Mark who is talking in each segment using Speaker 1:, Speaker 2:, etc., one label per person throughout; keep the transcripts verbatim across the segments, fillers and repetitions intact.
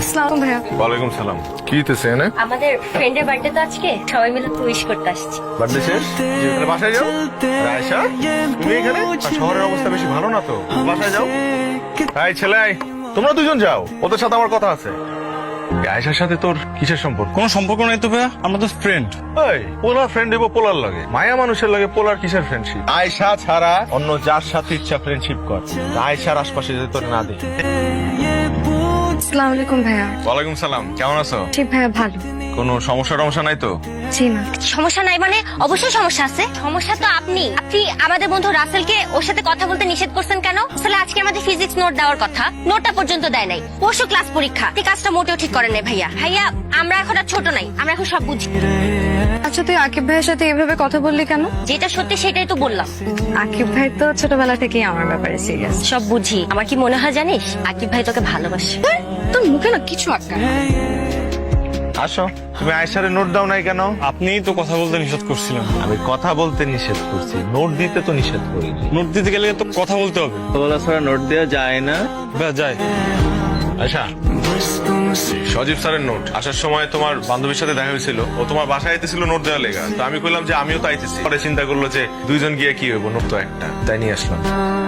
Speaker 1: আসসালামু ভাইয়া।
Speaker 2: ওয়ালাইকুম সালাম। কি হইতেছে এনে?
Speaker 3: আমাদের ফ্রেন্ডের বার্থডে তো আজকে, সবাই মিলে উইশ করতে আসছি।
Speaker 2: বার্থডে শেষ? তাহলে বাসায় যাও। আর আয়েশা, তুমি এখানে? আর শহরের অবস্থা বেশি ভালো না তো, বাসায় যাও। এই ছেলে, তোমরা দুজন যাও, ওদের সাথে আমার কথা আছে। আয়েশার সাথে তোর কিসের সম্পর্ক?
Speaker 4: কোনো সম্পর্ক নাই তো ভাইয়া, আমরা তো ফ্রেন্ড।
Speaker 2: এই পোলার ফ্রেন্ড দেবো পোলার লাগে, মায়া মানুষের লাগে পোলার কিসের ফ্রেন্ডশিপ? আয়েশা ছাড়া অন্য যার সাথে ইচ্ছা ফ্রেন্ডশিপ কর, আয়েশার আশপাশে যদি তোর না দেখি।
Speaker 1: আসসালামু আলাইকুম ভাইয়া।
Speaker 2: ওয়ালাইকুম সালাম, কেমন আছো?
Speaker 1: জি ভাইয়া ভালো।
Speaker 2: কোনো সমস্যা টমস্যা নাই তো?
Speaker 1: জি না।
Speaker 3: সমস্যা নাই মানে? অবশ্যই সমস্যা আছে। সমস্যা তো আপনি আপনি আমাদের বন্ধু রাসেলকে ওর সাথে কথা বলতে নিষেধ করছেন কেন? আসলে আজকে আমাদের ফিজিক্স নোট দেওয়ার কথা, নোটটা পর্যন্ত দেয় নাই। পরশু ক্লাস পরীক্ষা, এই কাজটা মোটেও ঠিক করে নাই ভাইয়া। ভাইয়া আমরা এখন আর ছোট নাই, আমরা এখন সব বুঝি।
Speaker 1: আচ্ছা তুই আকিব ভাইয়ের সাথে এভাবে কথা বললি কেন?
Speaker 3: যেটা সত্যি সেটাই তো বললাম।
Speaker 1: আকিব ভাই তো ছোটবেলা থেকেই আমার ব্যাপারে সিরিয়াস।
Speaker 3: সব বুঝি। আমার কি মনে হয় জানিস, আকিব ভাই তোকে ভালোবাসে।
Speaker 1: তোর মুখে না কিছু আটকা।
Speaker 2: আসো। তুমি আয়েশারে নোট দাও নাই কেন?
Speaker 4: আপনিই তো কথা বলতে নিষেধ করছিলেন।
Speaker 2: আমি কথা বলতে নিষেধ করছি, নোট দিতে তো নিষেধ করিনি।
Speaker 4: নোট দিতে গেলে তো কথা বলতে হবে।
Speaker 5: বলা ছাড়া নোট দেওয়া যায় না।
Speaker 4: ভাইয়া যাই।
Speaker 2: আচ্ছা, সজীব স্যারের নোট আসার সময় তোমার বান্ধবীর সাথে দেখা হয়েছিল, ও তোমার বাসায় আইতেছিল নোট দেওয়া লেগা। তো আমি কইলাম যে আমিও তো আইতেছি। পরে চিন্তা করলো যে দুইজন গিয়ে কি হইব, নোট তো একটা, তাই নিয়ে আসলাম।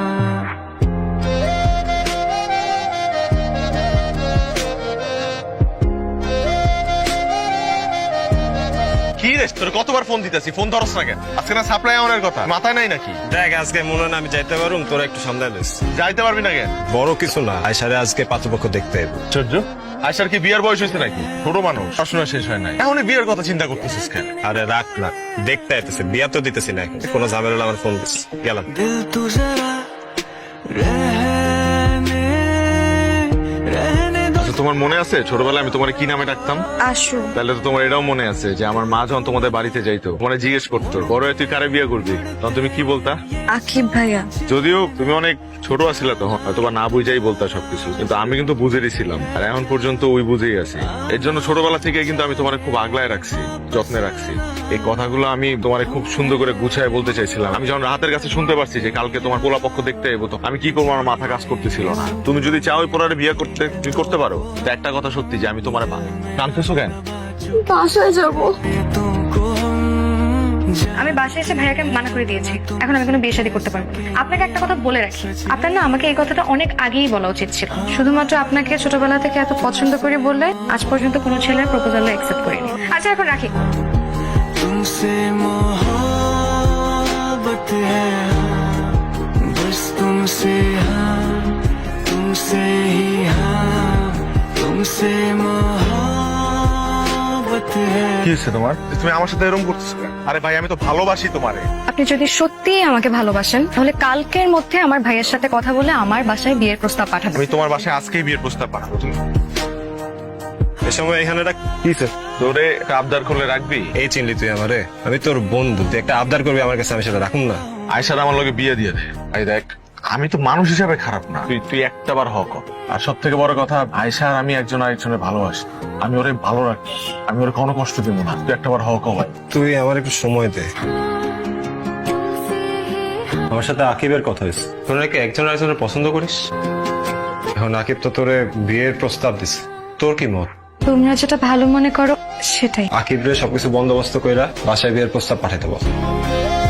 Speaker 2: কি রে, তোর কতবার ফোন দিতেছি, ফোন ধরস না কেন? আজকে না সাপ্লাই আমাদের কথা মাথায় নাই নাকি?
Speaker 4: দেখ আজকে মনে হয় না আমি যাইতে পারুম, তোরা একটু সন্দেহ দিস।
Speaker 2: যাইতে পারবি না কেন?
Speaker 4: বড় কিছু না, আয়সারে আজকে পাত্রপক্ষ দেখতে এবো।
Speaker 2: আশ্চর্য, আয়সার কি বিয়ের বয়স হয়েছে নাকি? ছোট মানুষ, পড়াশোনা শেষ হয় নাই, এখনই বিয়ের কথা চিন্তা করতেছিস কেন?
Speaker 4: আরে রাখ না, দেখতে আইতেছে, বিয়া তো দিতেছি না এখন। কোনো ঝামেলা আমার ফোন দিস, গেলাম।
Speaker 6: दिल तू जरा रहने रहने दो।
Speaker 2: আচ্ছা, তোমার মনে আছে ছোটবেলায় আমি তোমার কি নামে ডাকতাম?
Speaker 1: আসো।
Speaker 2: তাহলে তো তোমার এটাও মনে আছে যে আমার মা যখন তোমাদের বাড়িতে যাইতো, তোমার জিজ্ঞেস করতো বড় হয়ে তুই কারে বিয়ে করবি, তখন তুমি কি বলতা?
Speaker 1: আকিব ভাইয়া।
Speaker 2: যদিও তুমি অনেক ছোট আছিলা তখন, হয়তো বা না বুঝাই বলতা সবকিছু, কিন্তু আমি কিন্তু বুঝেরই ছিলাম, আর এখন পর্যন্ত ওই বুঝেই আছি। এর জন্য ছোটবেলা থেকে কিন্তু আমি তোমার খুব আগলায় রাখছি, যত্নে রাখছি। এই কথাগুলো আমি তোমার খুব সুন্দর করে গুছায় বলতে চাইছিলাম। আমি যখন রাতের কাছে শুনতে পারছি যে কালকে তোমার পোলা পক্ষ দেখতে এবো, তো আমি কি করবো, আমার মাথা কাজ করতেছিল না। তুমি যদি চাও ওই পোলারে বিয়ে করতে, তুমি করতে পারো। কিন্তু একটা কথা সত্যি যে আমি তোমার কানতেছো কেন?
Speaker 1: বাসায় যাবো।
Speaker 6: तुमको
Speaker 1: আমি বাসায় এসে ভাইয়াকে মানা করে দিয়েছি, এখন আমি কোনো বিয়ে শাদী করতে পারবো না। আপনাকে একটা কথা বলে রাখি, আপনার না আমাকে এই কথাটা অনেক আগেই বলা উচিত ছিল। শুধুমাত্র আপনাকে ছোটবেলা থেকে এত পছন্দ করে বললে আজ পর্যন্ত কোনো ছেলের প্রপোজাল অ্যাকসেপ্ট করিনি। আচ্ছা এখন রাখি।
Speaker 6: तुमसे मोहब्बत है, बस तुमसे हाँ, तुमसे ही हाँ, तुमसे मोहब्बत है।
Speaker 2: কি হচ্ছে তোমার? তুমি আমার সাথে এরকম করতেছো কেন? আরে ভাই, আমি তো ভালোবাসি তোমারে।
Speaker 1: আপনি যদি সত্যিই আমাকে ভালোবাসেন তাহলে কালকের মধ্যে আমার ভাইয়ের সাথে কথা বলে আমার বাসায় বিয়ের প্রস্তাব পাঠাবেন।
Speaker 2: আমি তোমার বাসায় আজকেই বিয়ের প্রস্তাব পাঠাবো। তুমি
Speaker 4: এ সময় এখানে রাখ।
Speaker 2: কি স্যার, তোরে একটা আবদার করলে রাখবি?
Speaker 4: এই চিনলি তুই আমারে? আমি তোর বন্ধু, তুই একটা আবদার করবি আমার কাছে, আমি সেটা রাখুন না।
Speaker 2: আয়সার আমার লগে বিয়ে দিয়ে দে। ভাই দেখ, আমি তো মানুষ হিসাবে খারাপ না, তুই তুই একটা বার হক। আর সব থেকে বড় কথা, আয়সা আর আমি একজন আরেকজনের ভালোবাসি, আমি ওরে ভালো রাখি, আমি ওরে কোনো কষ্ট দিব না। তুই একটা বার হক ভাই।
Speaker 4: তুই আমার একটু সময় দে। আমার সাথে আকিবের কথা হয়েছে, তোর নাকি একজন আরেকজনের পছন্দ করিস। এখন আকিব তো তোরে বিয়ের প্রস্তাব দিছে, তোর কি মত?
Speaker 1: তোমরা যেটা ভালো মনে করো সেটাই।
Speaker 4: আকিব রে সবকিছু বন্দোবস্ত কইরা বাসায় বিয়ের প্রস্তাব পাঠাইতে বল।